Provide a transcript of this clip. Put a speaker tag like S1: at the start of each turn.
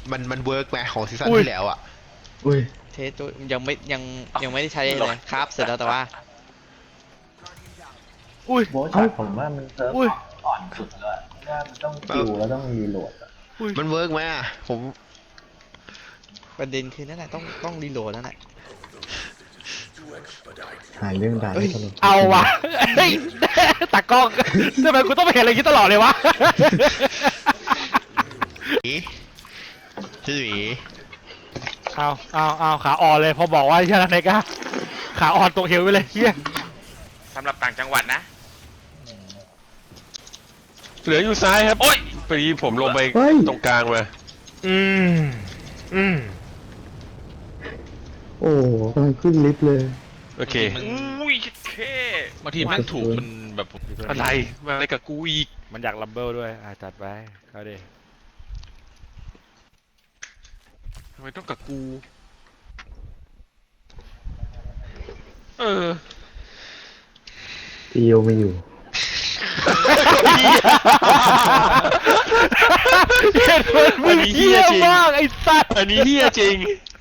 S1: มันเวิร์กไหมของซีซั่นที่แล้วอ่ะ
S2: อุ้ย
S3: เทสตัวยังไม่ได้ใช้เลยครับเสร็จแล้วแต่ว่า
S4: อุ้ย
S5: โบช็อตผมว่ามันเซิร์ฟ
S4: อุ้ย
S5: อ่อนสุดเลยว่ามันต้องคิวแล้วต้องรีโหลดอะ
S4: อุ้ย
S1: มันเวิร์กไหมอ่ะผม
S3: ประเด็นคือนั่นแหละต้องรีโหลดนั่นแหละ
S2: หายเรื่องด่า
S3: เฮ้ย
S2: ตลก
S4: เอาวะเฮ้ยตากล้องทำไมกูต้องไปเห็นอะไรอย่างนี้ตลอดเลยวะ
S1: พี่หมี
S4: เอาขาอ่อนเลยพอบอกว่าใช่ไหมกะขาอ่อนตกเหวไปเลยเฮีย
S6: สำหรับต่างจังหวัดนะ
S7: เหลืออยู่ซ้ายครับ โอ๊ยพอดีผมลงไปตรงกลางมา
S4: อืม
S2: โอ้กำลังขึ้นลิฟต์เลย
S7: โอเค
S6: อุ้ยเค
S8: บางทีแม่งถูกมันแบบ
S7: อะไรมาอะไรกับกูอีก
S4: มันอยากลัมเบิลด้วยจัดไปเขาดิ
S7: ทำไมต้องกับกูเออ
S2: พี่โยไม่อยู่
S4: มึงเฮี้ยมากไอ้สัส
S7: อันนี้เฮี้ยจริง